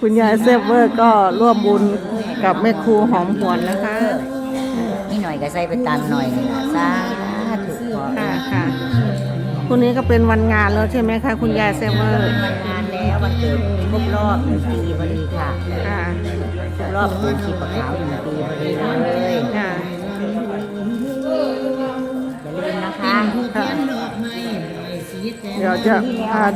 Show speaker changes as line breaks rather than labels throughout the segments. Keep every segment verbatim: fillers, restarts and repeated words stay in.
คุณยายเซฟเวอร์ก็ร่วมบุญกับแม่ครูหอมหวนนะคะ
นี่หน่อยก็ใส่ไปตามหน่อยนี่ล่ะสาธุขอ
ค่ะค่ะพรุ่งนี้ก็เป็นวันงานแล้วใช่ไหมคะคุณยายเซฟเวอร์
วันงานแล้ววันเกิดครบรอบหนึ่งปีพอดีค่ะ
ค่ะ
ครบรอบปูชีพขาวหนึ่งปีพอดีเลย
ค่ะ
อย่าลืมนะคะ
ค่ะเดี๋ยวจะพาดู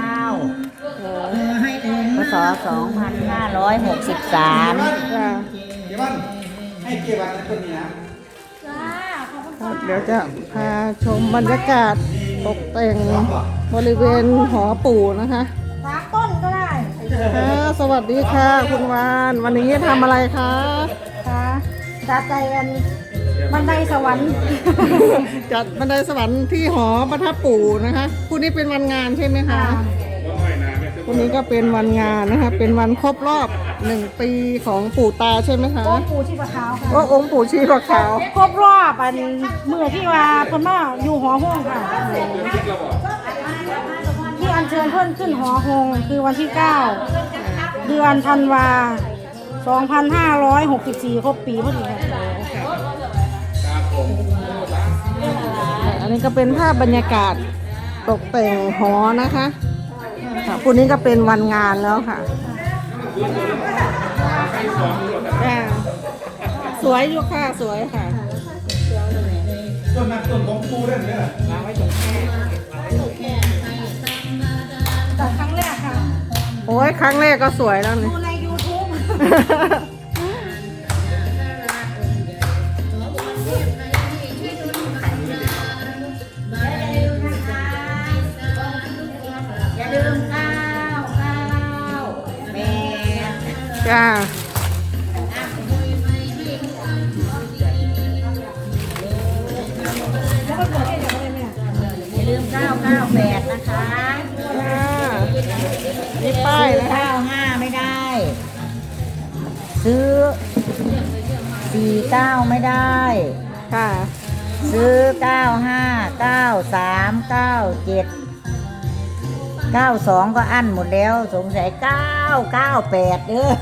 พศสองพันห้าร้อยหกสิบสาม
ค่ะ
เดี๋ยวมันให้เกี่ยวกับคนนี้นะ
เดี๋ยวจะพาชมบรรยากาศตกแต่งบริเวณหอปู่นะคะ
สามต้นก็ได้
ค่ะสวัสดีค่ะคุณวานวันนี้ทำอะไรคะ
ค่ะจัดใจกันบันไดสวรรค์
จัดบันไดสวรรค์ที่หอประทับปู่นะคะพรุ่งนี้เป็นวันงานใช่ไหมคะพรุ่งนี้ก็เป็นวันงานนะคะ เป็นวันครบรอบหนึ่งปีของปู่ตาใช่ไหมคะ
โอ้ปู่ชีพขาวค่ะ
ว่าองค์ปู่ชีพขาว
ครบรอบอันเมื่อที่ว่าเพิ่นมาอยู่หอห้องค่ะ ที่อัญเชิญเพิ่นขึ้นหอหงคือวันที่เก้าเดือนธันวาสองพันห้าร้อยหกสิบสี่ครบปีพอดีค่ะ
อันนี้ก็เป็นภาพบรรยากาศตกแต่งหอนะคะค่ะพรุ่งนี้ก็เป็นวันงานแล้วค่ะค่ะสวยอยู่ค่ะสวยค่ะ
ต้นนั้นต้นของปูได้ไหมล่ะ
จัดครั้งแรกค่ะ
โอ้ยครั้งแรกก็สวยแล้วนี่
ดูใน ยูทูบ
อย่าลืมข้าวข้าวแม่
จ้า
แล้วก็เกิดเหตุอะไรเนี่ย
อย่าลืมเก้าเก้าแปดนะคะ
จ้ามีป้ายนะคะ
เก้าห้าไม่ได้ ซื้อสี่เก้าไม่ได้
ค่ะ
ซื้อเก้าห้าเก้าสามเก้าเจ็ดเก้าสองก็อั้นหมดแล้วสงสัยเก้าเก้าแปดเด้อ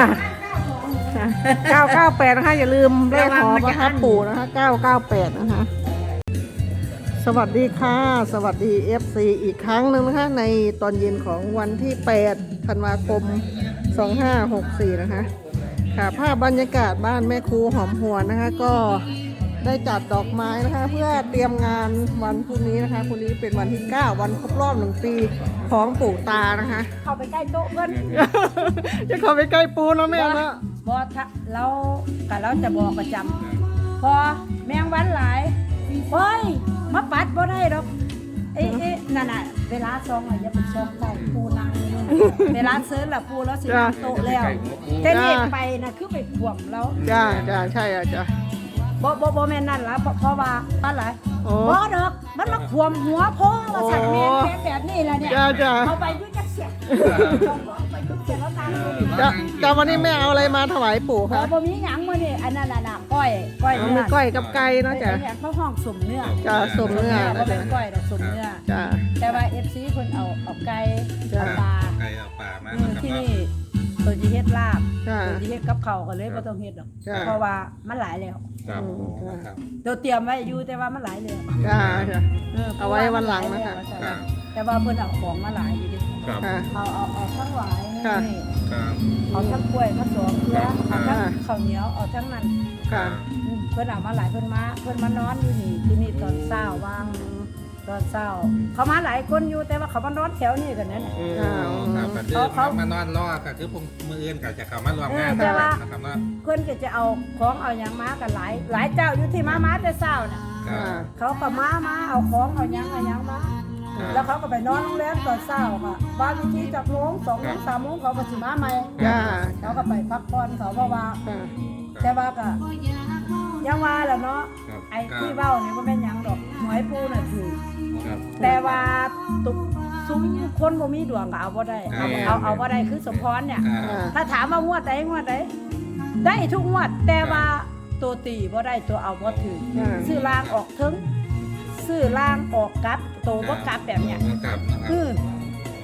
เก้าเก้าแปดนะคะอย่าลืมเลขหอประทับปู่นะคะเก้าเก้าแปดนะคะสวัสดีค่ะสวัสดี เอฟ ซี อีกครั้งหนึ่งนะคะในตอนเย็นของวันที่แปดธันวาคมสองห้าหกสี่นะคะค่ะภาพบรรยากาศบ้านแม่ครูหอมหวนนะคะก็ได้จัดดอกไม้นะคะเพื่อเตรียมงานวันพรุ่งนี้นะคะพรุ่งนี้เป็นวันที่เก้าวันครบรอบหนึ่งปีของปู่ตานะคะ
เข้าไปใกล้โต๊ะเพื่อน
จะเข้าไปใกล้ปูนะแม่นะ
บอทะเรากับเราจะบอกประจำพอแมงวันหลายเฮ้ยมาปัดบ่ได้หรอกเอ๊ะเอ๊ะนั่นน่ะเวลาซองอ่ะอย่าไปซองใส่ปูนางนี่นะเวลาเซิร์ชล่ะปูแล้วสิมาโต๊ะแล้วแต่เด็กไปนะคือไปขวมแล้ว
จ้าจ้าใช่อ่ะจ้า
บ่บ่บ่แม่นนั่นล่ะเพราะเพราะว่าป้าหลาย
โอ้
บ่ดอกมันมาขวมหัวพ่อว่าสั่นแม่นแม่นแบบนี้ล่ะเนี่ย
จ้าจ้า
เอาไปด้วยจักเสียเอาไปด้วยเสียแล้วตามดูดิ
จ้าจ้าวันนี้แม่เอาอะไรมาถวายปู่
บ่
คะ
บ่มีหยังมื้อนี้อันนั้นน่ะน่ะก้อยก้อย
เอา
เนื้
มี
อ
ก้อยกับไก่เนอะจ้ะ
แเขาห้องสมเนื้อ
จ้าสมเนื้อ
บ่
นะ
เป็
จ๊ะ
นก้อยแต่สมเนื้อ
จ้า
แต่ว่า เอฟ ซี เพิ่นเอาเอาไก่
จ้ะ
เอาปลา
ไก่เอาป่ามา
อืมที่นี่ตัวสิเฮ็ดลาบ
จ้า
ตัวสิเฮ็ดกับข้าวก็เลยบ่ต้องเฮ็ดดอก
จ้ะ
เพราะว่ามันหลายแล้ว
ครับครับ
เดี๋ยวเตรียมไว้อยู่แต่ว่ามันหลายแล้ว
จ้าจ้า
เออ
เอาไว้วันหลังนะคะ
ครับ
แต่ว่าเพิ่นเอาของมาหลายอยู่ดิ
ครับ
ค่ะ
เอาเอาเอาทั้งหลาย
ค่ะ
นี่
ครับ
เอาทั้งกล้วยมาสองเครือเอาทั้ง
ค่ะ
ข้าวเหนียวเอาทั้งนั้น
ค่ะ
อืมเพิ่นเอามาหลายเพิ่นมาเพิ่นมานอนอยู่นี่ที่นี่ตอนเช้าว่างตอนเช้าเขามาหลายคนอยู่แต่ว่าเขามานอนแถวนี้กันนั่นน่ะ
ค่ะ
ครับประเดี๋ยวมานอนรอก็คือผมมืออื่นก็จะเข้ามารวมงานนะครับเนาะ
เพิ่นก็จะเอาของเอาหยังมากันหลาย หลายเจ้าอยู่ที่มามาแต่เช้าน่ะ
ครั
ค่ะ
บ
เขาก็มามาเอาของเอาหยังเอาหยังมา
ครับ
แล้วเขาก็ไปนอนโรงแรมตอนเช้าค่ะบางทีจากโมงสองโมงสามโมงเขาก็สิมาใหม่
จ้า
เขาก็ไปพักผ่อนเขาเพราะว่า
ค่ะ
แต่ว่าก็ยังว่าแหละเนาะ
ครับ
ไอ้ที่เว้านี่บ่แม่นหยังดอกหวยปูน่ะถือ
ครับ
แต่ว่าตุกซุ้มคนบ่มีดวงก็เอาบ่ได้เอาเอาเอาบ่ได้คือสมพรเนี่ย
อ่า
ค่ะ
ถ้าถามว่างวดใดงวดใดได้ทุกงวด แต่ว่าตัวตีบ่ได้ตัวเอาบ่ถือ
ค่ะ
ซื้อล่างออกถึงซื้อล่างออกกลับตัวบ่กลับแบบเนี้ย
ครับ
คือ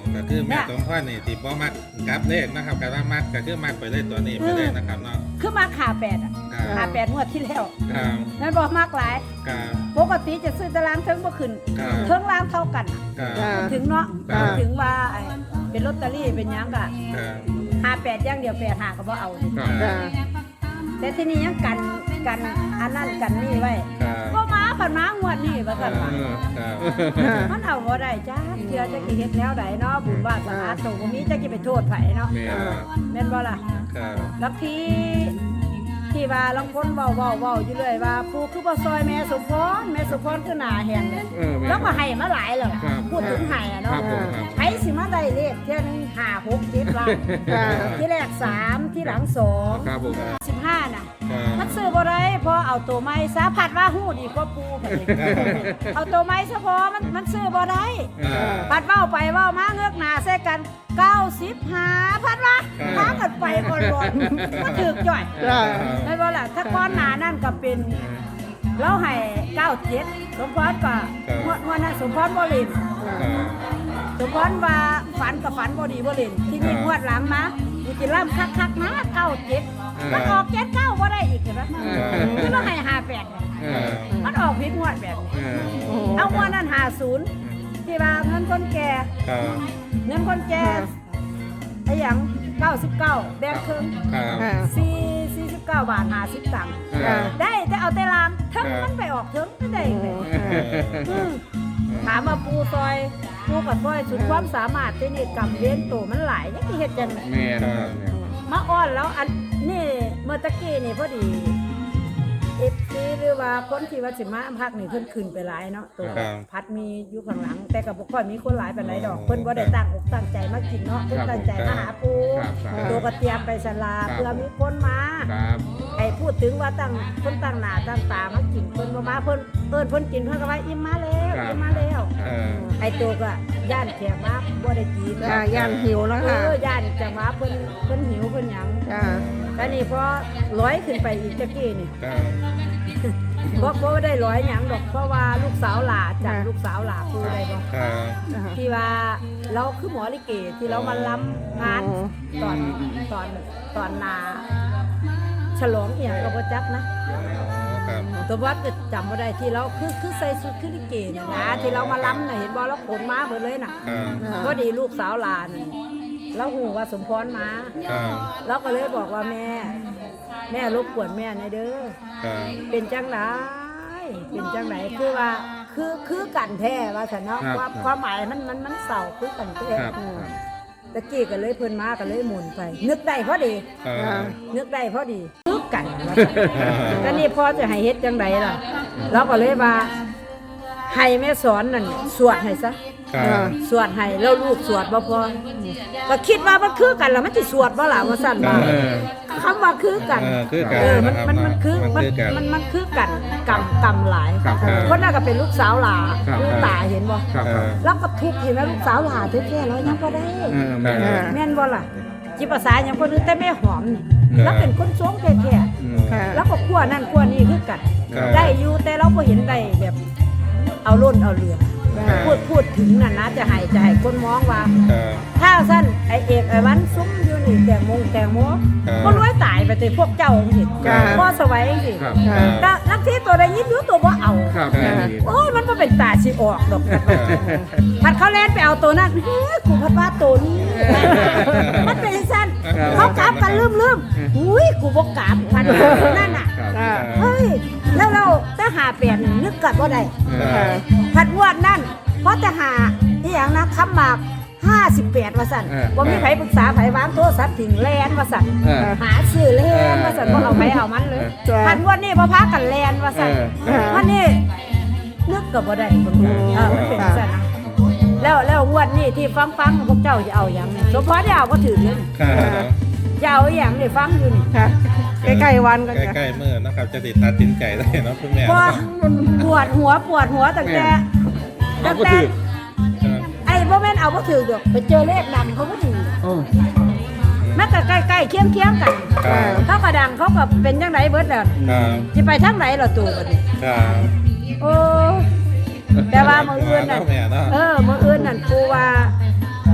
ก็คือแม่สมพรนี่ที่บ่มักกลับเลขนะครับก็ว่ามักก็คือมักไปเลยตัวนี้ไปเลยนะครับเนาะ
คือมาขาแปดอ่ะ
ครับ
ขาแปดงวดที่แล้ว
ครับ
นั่นบอกมากหลาย
ครับ
ปกติจะซื้อตารางเทิงบ่ขึ้น
ครับ
เทิงล่างเท่ากันอะ
ครับ
ถึงเนาะ
ครับ
ถึงว่าไอ้เป็นลอตเตอรี่เป็นหยังกะ
ครับ
หาแปดอย่างเดียวแปดหาก็บ่เอา
ครับ
จ้า
แต่ที่นี่ยังกันกันอันนั้นกันนี่ไว้
ครับ
ก็มาผ่านมางวดนี้ว่าซั่นว่า
ครับ
มันเอาบ่ได้จ้าเทื่อจะกี่เฮ็ดแนวใดเนาะบุญวาสนาโตบ่มีจะกี่ไปโทษไผเนาะ
แม่ครับ
แม่นบ่ล่ะ
ครับ
แล้วที่ที่ว่าลางคนเว้าเว้าเว้าอยู่เรื่อยว่าปู่คือบ่ซอยแม่สมพรแม่สมพรคือหน้าแห้งเลย
เออแม่
แล้วก็ให้มาหลายแล้ว
ครับ
พูดถึงให้อะ
ครั
เนาะ
บผมครับ
ไผสิมาได้เลขเที่ยหนึงห้า หก เจ็ดล้าน
จ้า
ที่แรกสามที่หลังสอง
ครับผม
สิบห้าน่ะ
ครับ
มันซื้อบ่ได้เพราะเอาตัวไม้ซะผัดว่าฮู้ดีกว่าปูไปเลยเอาตัวไม้ซะพอมันมันซื้อบ่ได้
ครับ
ผัดเว้าไปเว้ามาเงือกหน้าใส่กันเก้าสิบห้าผัดว่าพากันไปก่อนบ่ก็ถูกจ่อย
จ้า
ได้บ่ล่ะถ้าก้อนหน้านั่นก็เป็นเราให้เก้าเจ็ดสมพรก็งวดงวดนั้นสมพรบ่เล่น
ครับ
สมพรว่าฝันกับฝันบ่ดีบ่เล่นที่นี่งวดหลังมากูสิล่ำคักๆนะเก้าเจ็ดมันออกเจ็ดเก้าบ่ได้อีกเห็นปะคือเราให้ห้าแปด
เออ
มันออกผิดงวดแบบนี้
เออ
โอ้โห
เอางวดนั้นห้าศูนย์ที่ว่าเงินคนแก่
ครับ
เงินคนแก่ไอ้หยังเก้าสิบเก้าแบงค์ครึ่ง
ครับ
ค่ะ
สี่สี่สิบเก้าบาทห้าสิบตังค์
ครับ
ได้แต่เอาแต่ลามถึง
ครับ
มันไปออกถึงไม่ได้
โอ้โห
เลย
ค่ะ
อืมถามมาปูซอยปูกับซอยสุดความสามารถที่นี่กำเว้นโตมันหลายยังที่เฮ็ดจัง
แม่ครับ
มาอ้อนแล้วอันนี่เมื่อตะกี้นี่พอดีเอฟซีหรือว่าคนที่ว่าสิมาพักนี่เพิ่นขึ้นไปหลายเนาะตัว
ครับ
พัดมีอยู่ข้างหลัง แต่ก็บ่ค่อยมีคนหลายปานใดดอกเพิ่นบ่ได้ตั้งอกตั้งใจมากินเนาะเพิ่นตั้งใจมาหาปู
ครับครับ
ตัวก็เตรียมไปสลา
ครับ
เพื่อมีคนมา
ครับ
ไอ้พูดถึงว่าตั้งคนตั้งหน้าตั้งตามากินเพิ่นบ่มาเพิ่นเอิ้นเพิ่นกินเพิ่นก็ว่าอิ่มมาแล้ว
ครับ
อิ่มมาแล้ว
เออ
ไอ้ตัวก็ย่านแขกมาบ่ได้กิน
จ้าย่านหิวแล้ว
เอ
ค่ะ
อย่านจะมาเพิ่นเพิ่นหิวเพิ่นหยัง
จ้า
แต่นี่พอร้อยขึ้นไปอีกตะกี้นี่
ครับ
บ่บ่ได้ร้อยหยังดอกเพราะว่าลูกสาวหลาจัดลูกสาวหลาคือได้บ่
ครับ
ที่ว่าเราคือหมอลิเกที่เรามาล้ำงานตอนตอนตอนนาฉลองเอียงก็บ่จักนะ
ครับ
ตัววัดก็จำบ่ได้ที่เราคือคือใส่ชุดคือลิเกเนี่ยนะที่เรามาล้ำน่ะเห็นบ่เราขนมาเบิดเลยน่ะ
ครับ
พอดีลูกสาวหลานเราหูว่าสมพรมา
ครับ
เราก็เลยบอกว่าแม่ แม่รบกวนแม่หน่อยเด้อ
ครับ
เป็นจังไหนเป็นจังไหนคือว่าคือคือกันแท้ว่าฉันเนาะ
ครับ
ความความหมายมันมันมันเศร้าคือกันแท้
ครับ
ตะกี้ก็เลยเพิ่นมาก็เลยหมุนไป นึกได้พอดี
ครับ
นึกได้พอดีคือกันว่าซั่นก็นี่พ่อจะให้เฮ็ดจังไดล่ะเราก็เลยว่าให้แม่สอนนั่นสวดให้ซะ
ครับ
สวดให้แล้วลูกสวดบ่พอก็คิดว่ามันคือกันแล้วมันสิสวดบ่ล่ะว่าซั่นว่า
เออ
คำว่าคือกัน
เออคือกัน
เออมัน
นะครับ
มันมันคือ
มั
มัน
นคือกัน
มันมันคือกันกำกำหลาย
ครับครับ
คนนั้นก็เป็นลูกสาวหลา
ครับ
ลูกตาเห็นบ่
ครับ
แล้วก็ทุกข์เห็นไหมลูกสาวหลาแท้ๆแล้วยังบ่ได้
เออแม่
แม่นบ่ล่ะจิภาษาอย่างคนอื่นแต่แม่หอมนี่
ครับ
แล้วเป็นคนสวงแท้
อืม
ค่ะ
ๆแล้วก็ขั้วนั่นขั้วนี่คือกัน
ครับ
ได้อยู่แต่เราบ่เห็นได้แบบ เอาล้นเอาเหลือ
ครับ
พูดพูดถึงน่ะนะจะให้จะให้คนมองว่า
ครับ
ถ้าสั้นไอเอกไอวันซุ้มอยู่นี่แตงโมงแตงโม
ครับ
ก็รวยตายไปแต่พวกเจ้าสิ
ครับ
พ่อสวัยสิ
ครับ
ครับ
ก็นักที่ตัวใดยินอยู่ตัวบ่เอา
ครับแม่ดี
โอ้ยมันก็เป็นตาสิออกดอกกันว่าพัดเขาแล่นไปเอาตัวนั้นเฮ้ยกูพัดว่าตัวนี้ มันเป็นสั้นเขากราบกันลืมลืมอุ้ยกูบ่กราบพัดนั่นน่ะ
ครับ
อ่า
เฮ้ยแล้วเราถ้าหาเปลี่ยนนึกกัดว่าใด
ครับ
พัดงวดนั่นเพราะจะหาอีหยังนะคำหมากห้าสิบแปดว่าสั่น
เออ
ว่ามีไผปรึกษาไผวางโทรศัพท์ถึงแลนว่าสั่น
เออ
หาซื้อแลนว่าสั่นว่าเอาไผเอามันเลย
จ้ะ
พันงวดนี้พอพากันแลนว่าสั่น
เออ
วันนี้นึกกับบ่ได้เบิ่งดูเออมันเป็นสั่นนะแล้วแล้วงวดนี้ที่ฟังฟังพวกเจ้าจะเอาอย่างนี้สมพรได้เอาก็ถือเลย
ครับ
จะเอาอหย่างนี่ฟังอยู่นี่
ค่ะ ใกล้ๆวันกันจ้ะ
ใกล้ๆมือนะครับ จะติดตัดสินใจได้เนาะคุณแม่
พอปวดหัวปวดหัวตั้งแต่ตั้งแต่ไอ้บ่แม่นเอาบ่ถือดอกไปเจอเลขดังเขาบ่ถือ แม้แต่ใกล้ๆเคียงๆกัน
ครับ
เขาก็ดังเขาก็เป็นจังไดเบิดแล้ว
ครับ
สิไปทางไหนล่ะตู่บัดนี้
ครับ
โอ้แต่ว่ามื้ออื่นน่ะ
แม่เนาะ
เออมื้ออื่นนั่นปูว่า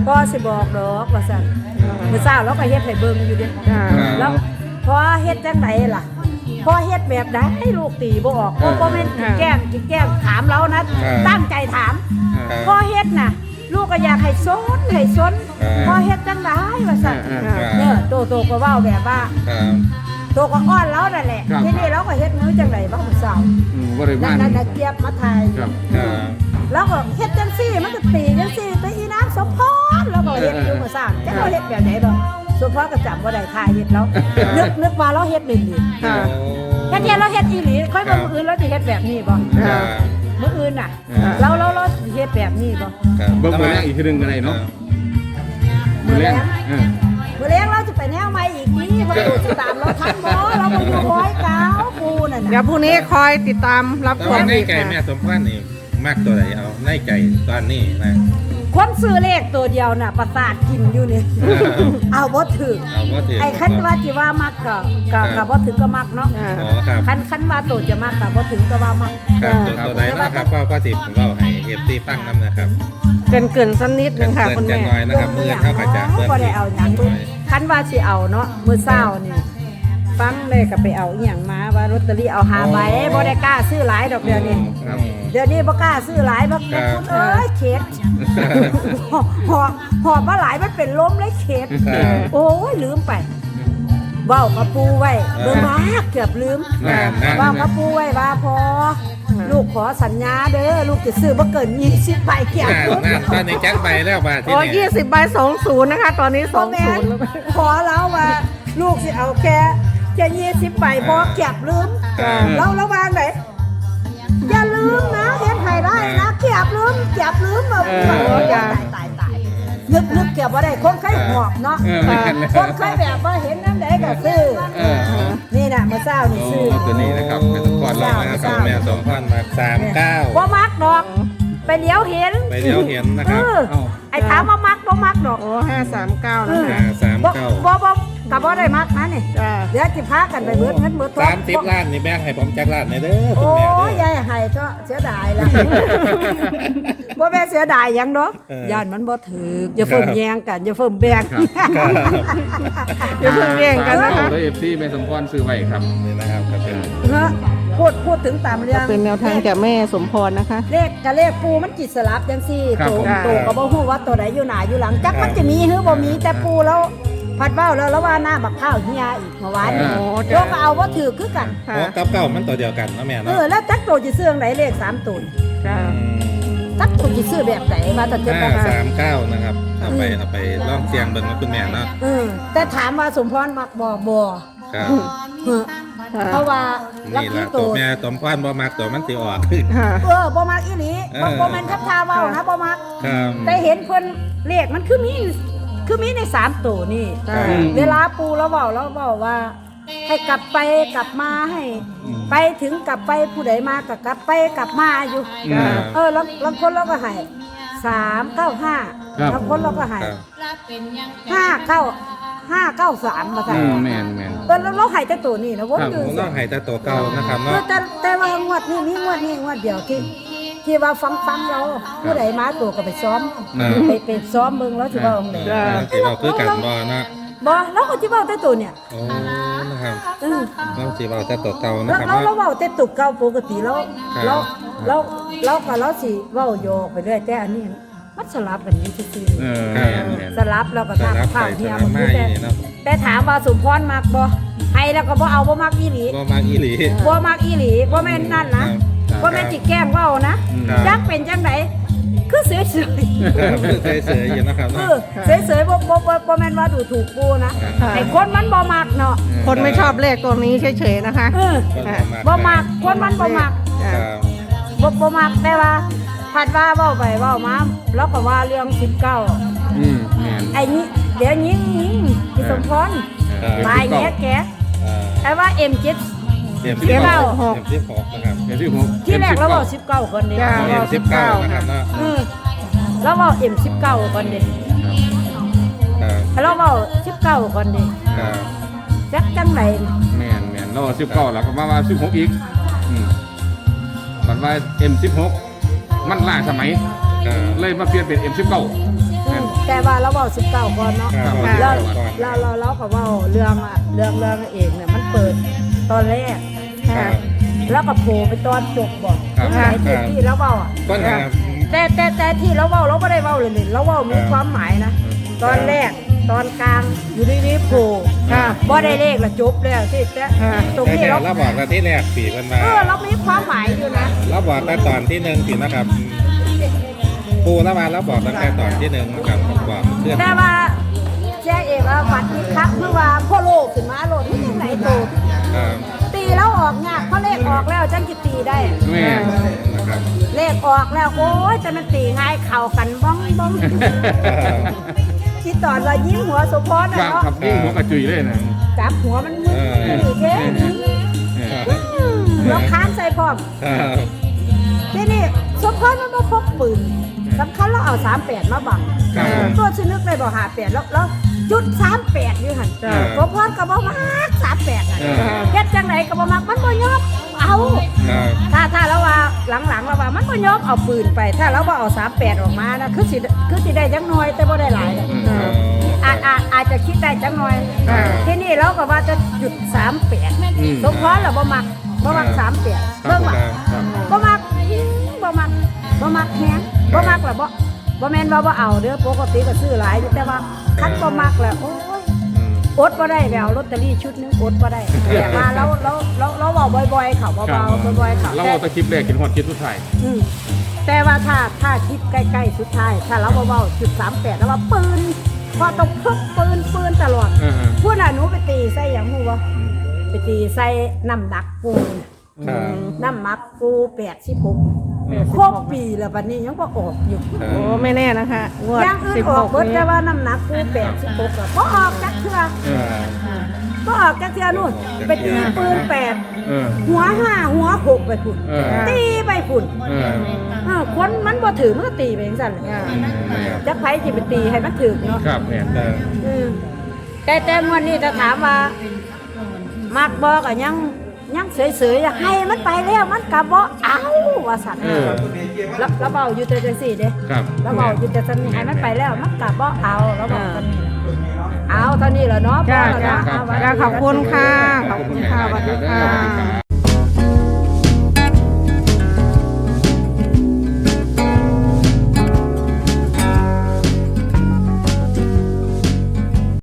พ่อสิบอกดอกว่าซั่นมื้อเช้าเราก็เฮ็ดให้เบิ่งอยู่เด้
จ้า
แล้วพอเฮ็ดจังไดล่ะพอเฮ็ดแบบใดลูกตีบ่ออกบ่บ่แม่นสิแกล้งสิแกล้งถามเรานะตั้งใจถามพอเฮ็ดน่ะลูกก็อยากให้สนให้สนพอเฮ็ดจังไดว่าซั่นเด้อโตโตก็เว้าแบบว่า
ครับ
โตก็อ้อนเรานั่นแหละทีนี้เราก็เฮ็ดมื้อจังไดบ่มื้อเช้า
อืมบริ
นั่
วาน
นน่ะเจี๊ยบมาถ่าย
ครับ
ครับ
แล้วก็เฮ็ดจังซี่มันก็ตีจังซี่ไปอีน้ำสมพรแล้วก็เฮ็ดอยู่มื้อเช้าจังเราเฮ็ดแบบไหนบ่สมพรก็จำบ่ได้ถ่ายเฮ็ดแล้วนึกนึกว่าเราเฮ็ดเล่นๆ
ค่ะ
แค่เทียเราเฮ็ดอีหลีค่อยมามื้ออื่นเราสิเฮ็ดแบบนี้บ่
ครับ
มื้ออื่นน่ะ เราเราเราสิเฮ็ดแบบนี้บ่
ครับ
เบิ่งเบิ่งแรกอีกทีหนึงก็ได้เนาะ
มื้อแรก
เออ
มื้อแรงเราจะไปแนวใหม่อีกนี่บ่ดูสิตามเราทันบ่เราบ่อยู่ร้อยเก้าปูนั่น
เดี๋ย
น่ะ
วพรุ่งนี้คอยติดตามรับ
แต่
ช
ว่าม ใน
อีก
ใจแม่
ค่ะ
สมพรนี่มากตัวไหนเอาในใจตอนนี้นะ
คนซื้อเลขตัวเดียวน่ะประสาทกินอยู่นี่ เอาบ่ถึก
เอาว่าถือ
ไอ้คันว่าสิว่ามักก็ก็ก็บ่ถึงก็มักเนาะ
อ่า
อ๋อครับ
คันคันว่าตัวจะมักก็บ่ถึงก็ว่ามัก
ครับตัวตัวไหนนะครับก็ก็สิบเราให้เอฟซีฟังน้ำนะครับ
เกินเกินสักนิดนึงค่ะ
เกิ
คุ
น
ณ
จะ
แม่
น้อยนะครับเมื่อเข้ากระจาเมื่อ
บ่ได้เอาหยัง
น้อย
คันว่าสิเอาเนาะมื้อเช้านี่ฟังเลยก็ไปเอาอีหยังมาว่าลอตเตอรี่เอาหาใบบ่ได้กล้าซื้อหลายดอกเดี๋ยวนี้
ครับ
เดี๋ยวนี้บ่กล้าซื้อหลายบ่
ครับ
คุณเอ้ยเข็ดหอบหอบหอบมาหลายมันเป็นลมเลยเข็ด
ครับ
โอ้ยลืมไปเว้ากับปูไว้เบิ่งมาเกือบลืม
นั่นนั่น
เว้ากับปูไว้ว่าพอลูกขอสัญญาเด้อลูกจะซื้อบ่เกินยี่สิบใบเกี่ยว
นั่นนั่นตอนนี้แจ็คใบแล้วบาทที่
โอ้
นี่
ยี่สิบใบสองศูนย์นะคะ ตอนนี้สองศูนย์
ขอแล้วว่าลูกสิเอาแค่แค่ยี่สิบใบพอเก็บลืม
ครับ
เราระวางไหนอย่าลืมนะเฮ็ดให้ได้นะเก็บลืมเก็บลืมมา
เออ
โอ้ยตายตายตายนึกนึกเก็บบ่ได้คนเคยหอบเนาะ
เออไม่ทันแล้ว
คนเคยแบบว่าเห็นน้ำไหนก็ซื้อ
เออ
นี่น่ะเมื่อเช้านี่
โอ้
ซื้อ
ตัวนี้นะครับเป็นสปอร์ต
ก่
เรา
อน
นะ
นะ
ค
ค
รั
รั
บบ
แม่สมพรมาสามเก้า
บ่มักดอก ไปเลี้ยวเห็น
ไปเลี้ยวเห็นนะค
เอ
รับ
อไอ้ถามว่ามักบ่มักดอก
โอ้ห้าสามเก้านะ
ห้า
คะ
สาม
บ่
เก้า
บ่บ่ก็บ่ได้มักนะนี่
จ้า
เดี๋ยวสิพากันไปเบิดเงินเบิดทอง
สามสิบล้านนี่แบ่งให้ผมจักล้านในเด้อคุ
โอ้
ณแม่เด้
ย
อย
ายให้เถอะเสียดายแล้วบ่แม่นเสียดายหยังดอก
เออย่
านมันบ่ถูกอย่าเพิ่มแยงกันอย่าเพิ่มแบ่ง
ครับ
อย่าเพิ่งแย่งกันนะคะ
ตัวเอฟซีแม่สมพรซื้อไว้ครับ
นี่นะครับก็เป็น
เนอะพูดพูดถึงตามเรื่อง
เป็นแนวทางจากแม่สมพรนะคะ
เลขกับเลขปูมันจิตสลับจังซี่
ครับ
โต
ผม
โตก็บ่ฮู้ว่าตัวไหนอยู่หน้าอยู่หลังจักมันจะมีหรือบ่มีแต่ปูแล้วพัดเว้าแล้วแล้วว่าหน้าบักข้าวเฮียอีกเมื่อวานนี้
โอ้
โยกก็เอาบ่ถือคือกัน
โอ้กับเก้ามันตัวเดียวกันเนาะแม่
เอ
เนาะ
อแล้วจักโตสิซื้อจังไดเลขสามตัว
จ้า
จักโตสิซื้อแบบไหนมาแต่เจ็บ
ห้า
บ่
สามเก้านะครับเอาไปเอาไปลองเสียงเบิ่งนะคุณแม่เนาะ
เออแต่ถามว่าสมพรมักบ่บ่
ครับ
เออเพราะว่าลัก
นี่
ที่
ละ
โต
ตัวแม่สมพรบ่มักตัวมันสิออก
ค่ะ
เออบ่มักอีหลีบ่บ่แม่นทับทาเว้านะบ่มัก
ครับ
แต่เห็นเพิ่นเลขมันคือมีคือมีในสามตัวนี่
จ้า
อืม
เวลาปูแล้วเว้าแล้วเว้าว่า ให้กลับไปกลับมาให้ ไปถึงกลับไปผู้ใดมาก็กลับไปกลับมาอยู่
อืม
เออแล้วบางคนเราก็ให้สามเก้าห้า
ครับ
บางคนเราก็ให้
ครับ
ห้าเก้าห้าเก้าสามมา
อื
ใส่
มแมนแมน
เออแล้วเราให้แต่ตัวนี้นะวน
ครับ
อยู่
ผมต้องให้แต่ตัวเก่านะครับ
เอ
เนาะ
อแต่แต่ว่างวดนี้มีงวดนี้งวดเดียวที่ที่ว่าฟังฟังเราผู้ใดมาตัวก็ไปซ้อม
อ่า
ไปไปซ้อมเบิ่งแล้วสิว่าองไหน
จ้า
สิเราคือกันบ่เนาะ
บ่เราก็สิเว้าแต่ตัวเนี่ย
โอ้นะครับ
เออ
เราสิเอาแต่ตัวเก่านะ
แล้ว
ครับ
เราเรา
เนาะ
เว้าแต่ตุกเก่าปกติแล้ว
ครับ
เราเราเราก็เราสิเว้าโยกไปเรื่อยแต่อันนี้มันสลับกันอยู่ซื่อ
เออแมนแมน
ๆสลับแล้วก็
สลับ
ข้า
ไป
ว
ส
เฮีย
ลับ
มัน
มา
คือ
อ
แต่
ย่างนี้เนาะ
แต่ถามว่าสมพรมักบ่ให้แล้วก็บ่เอาบ่มักอีหลี
บ่มักอีหลี
บ่มักอีหลีบ่แม่นนั่นนะบ่แม่นสิแกล้งเว้านะครับ จักเป็นจังไดคือเฉย
ครับเคยเสืออยู่นะครับ
ๆเอ
เนาะ
อเฉยๆบ่บ่บ่บ่แม่นว่าดูถูกกูนะ
ค่ะ
ไอ้คนมันบ่มักเนาะ
คนไม่ชอบเลขตัวนี้เฉยๆนะคะ
เออ
คน
บ่มักคนมันบ่มัก
จ้า
ครับ
บ่บ่มักแต่ว่าผัดว่าเว้าไปเว้ามาแล้วก็ว่าเรื่องสิบเก้า
อืมแมน
ไอ้นี้เดี๋ยวยิงยิงพี่สมพร
ครับ
ตายแกแก
อ่า
ไอ้ว่า เอ็ม เจ็ด
เตรียม
สิบเก้า
เตรียมสิบหกนะครับ
เดี๋ยวที่หก
ที่แรกเราบอกสิบเก้าก่อนเด้
จ้า
เตรียมสิบเก้านะครับเนาะ
เออเราบอก เอ็ม สิบเก้าก่อนเด้
ครับ
เราบอกสิบเก้าก่อนเด้
ครับ
จักจังไหน
แมนแมนเราสิบเก้าแล้วก็มาว่าสิบหกอีกอืมบัดว่าเอ็มสิบหกมันล่าสมัย
ครับ
เลยมาเปลี่ยนเป็นเอ็มสิบเก้า
อืมแต่ว่าเราเว้าสิบเก้าก่อนเนาะ
ครับ
เรา
ก่อน
เราเราเราก็เว้าเรื่องอะเรื่องเรื่องเอกเนี่ยมันเปิดตอนแรก
ครับ
แล้วก็โผล่ไปตอนจบบอก
ครับ
ไหนที่ที่เราเว้าอ่ะ
ก็นะครับ
แต่แต่แต่ที่เราเว้าเราไม่ได้เว้าเลยนี่เราเว้ามีความหมายนะ ตอนแรกตอนกลางอยู่ดีๆโผล่
ค่ะ
บ่ได้เลขละจบแล้วที่แต่
ค่ะ
ตรง
แต่
นี้
เดี๋ย
เรา
วเราบอกกันที่แรกสี่เพิ่นมา
เออเรามีความหมายอยู่นะ
เราบอกแต่ตอนที่หนึ่งสินะครับปูแล้วมาเราบอกตั้งแต่ตอนที่หนึ่งนะครับบอกเพื่อน
แต่ว่าแจ้เอกว่าฝันอีกครั้งเมื่อว่าพ่อโลกขึ้นมาโลดที่ยังไหนโต
ครับ
ตีแล้วออกงากเพราะเลขออกแล้วจังจะตีได้
แม่
นะครับ
เลขออกแล้วโอ้ยจะมันตีง่ายเข่ากันบ้องบ้องที่ตอนว่ายิ้มหัวสุพร
ค
นะ
รับ
เนาะ
ครับนี่หัวกระจุยเลยนะ
จับหัวมันมึนอยู่เท่
เออ
เราค้านใส่พร้อม
ครับ
ที่นี่สุพรมันมาพกปืนสำคัญเราเอาสามแปดมาบัง
ครับผม
ตัวชนึกเลยบอกหาแปดแล้วแล้วจุดสามแปดอยู่หัน
จ้ะ
สุพรก็บอกมากสามแปดอ่ะ
เออ
เฮ็ดจังไหนก็บอกมากมันบ่ยอมเอา
ครับ
ถ้าถ้าเราว่าหลังๆเราว่ามันบ่ยอมเอาปืนไป ถ้าเราว่าเอาสามแปดออกมานะคือสิคือสิได้จังน้อยแต่บ่ได้หลายนะ
เออ
อาจอาจอาจจะคิดได้จังน้อย
อ่า
ที่นี่เราก็ว่าจะจุดสามแปด
อืม
สมพรเราบ่มักบ่มักสามแปด
ครั
เบิ่
บ
งว่า
ครับ
บ่มักบ่มักบ่มักแฮงบ่มักแล้วบ่บ่แม่นว่าบ่เอาเด้อปกติก็ซื้อหลายอยู่แต่ว่าคันบ่มักแล้วโอ้ย
อืม
อดบ่ได้แล้วลอตเตอรี่ชุดหนึงอดบ่ได้แต่ว่าเราเราเราเราเว้าบ่อยๆเขาเบาๆบ่อยๆเขา
เรา
แต่
เอาแตะคลิปแรกกินหอดคลิปสุดท้าย
อืมแต่ว่าถ้าถ้าคิดใกล้ๆสุดท้ายถ้าเราเบาๆจุดสามแปดแล้วว่าปืนพอต้องพกปืนปืนตลอด
เออ
พูดน่ะหนูไปตีใส่หยังฮู้บ่ไปตีใส่น้ำหนักปูน่ะ
ครับ
น้ำหมักปูแปดสิบหกครบปีแล้วบัดนี้ยังบ่ออกอยู่
ครั
โอ้
บ
ไม่แน่นะคะงวด
อย่างอื่
สิ
น
บ
อ
ห
อก
ก
เบิด
นี้
แต่ว่าน้ำหนักปูแปดสิบหกอ่ะบ่ออกจักเทื่อ
เออ
บ่ออกจักเทื่อนู่นไปตีปืนแปด
เออ
หัวห้าหัวหกไปพุ่น
เออ
ตีไปพุ่น
เออ
เออคนมันบ่ถือมันก็ตีไปจังซั่นแหละ จักไผสิไปตีให้มันถึกเนาะ
ครับแม่
เออ
อืมแต่แต่วันนี้ถ้าถามว่ามักบอกอะยังยังเฉยๆอะให้มันไปแล้วมันกะบ่เอาว่าสั่น
เออ
แล้วแล้วเบาอยู่แต่จังซี่เด้
ครับ
แล้วเบาอยู่แต่จังนี้ให้มันไปแล้วมันกะบ่เอาแล้วบอกกันนี่เอาเท่านี้แหละเนาะ
จ้า
พอแล้ว
จ้า
เนาะเอาไว้
จ้าขอบคุณค่ะ ขอบคุณค่ะสวัสดีค่ะ
สวัสดีครับ